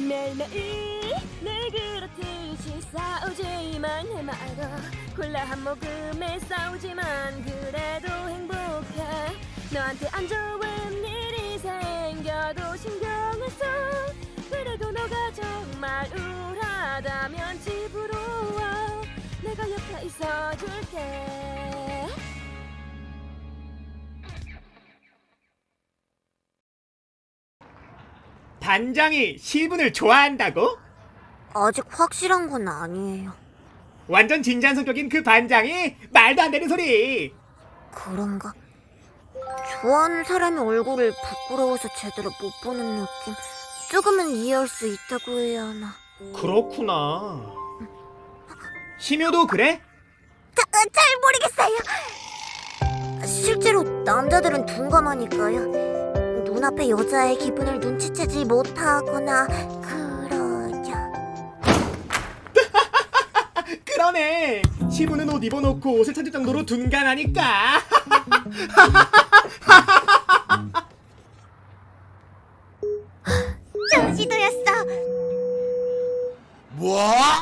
매일매일 늘 그렇듯이 싸우지만 해마도 콜라 한 모금에 싸우지만 그래도 행복해. 너한테 안 좋은 일이 생겨도 신경을 써. 그래도 너가 정말 우울하다면 집으로 와. 내가 옆에 있어줄게. 반장이 시분을 좋아한다고? 아직 확실한 건 아니에요. 완전 진지한 성격인 그 반장이 말도 안 되는 소리. 그런가? 좋아하는 사람의 얼굴을 부끄러워서 제대로 못 보는 느낌? 조금은 이해할 수 있다고 해야 하나. 그렇구나. 심효도 그래? 잘 모르겠어요. 실제로 남자들은 둔감하니까요. 눈앞의 여자의 기분을 눈치채지 못하거나 그러죠. 그러네. 시부는 옷 입어놓고 옷을 찾을 정도로 둔감하니까. 조지도였어. 뭐?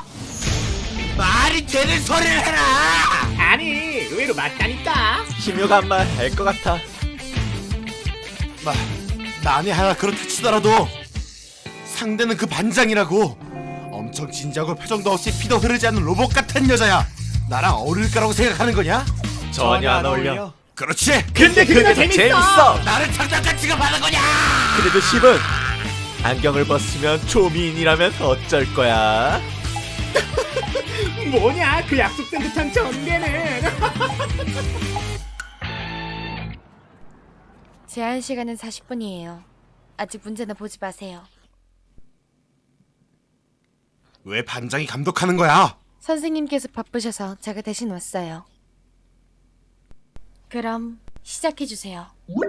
말이 되는 소리를 해라! 아니, 의외로 맞다니까. 심효가 한 말 알 것 같아. 난이 하나 그렇게 치더라도 상대는 그 반장이라고. 엄청 진지하고 표정도 없이 피도 흐르지 않는 로봇 같은 여자야. 나랑 어울릴 거라고 생각하는 거냐? 전혀 안 어울려. 그렇지. 근데 그게 더 재밌어. 나를 장난감 취급하는 거냐? 그래도 십은 안경을 벗으면 조미인이라면 어쩔 거야? 뭐냐 그 약속된 듯한 전개는. 제한 시간은 40분이에요. 아직 문제나 보지 마세요. 왜 반장이 감독하는 거야? 선생님께서 바쁘셔서 제가 대신 왔어요. 그럼 시작해주세요.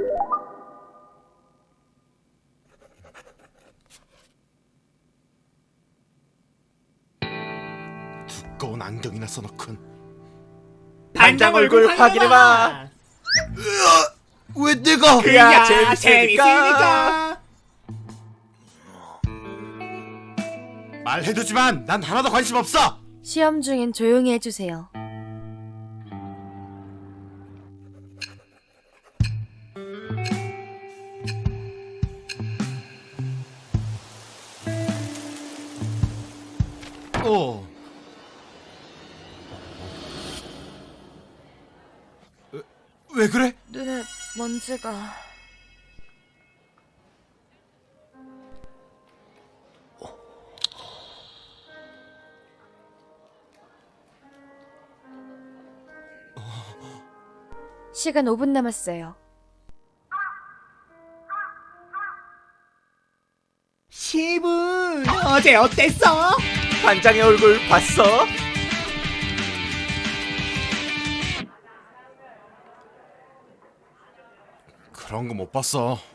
두꺼운 안경이나 써놓군. 반장 얼굴 확인해봐. 왜 내가? 그야 재밌으니까. 말해두지만 난 하나도 관심 없어. 시험 중엔 조용히 해주세요. 왜 그래? 눈에 먼지가... 시간 5분 남았어요. 시분 어제 어땠어? 반장의 얼굴 봤어? 그런 거 못 봤어.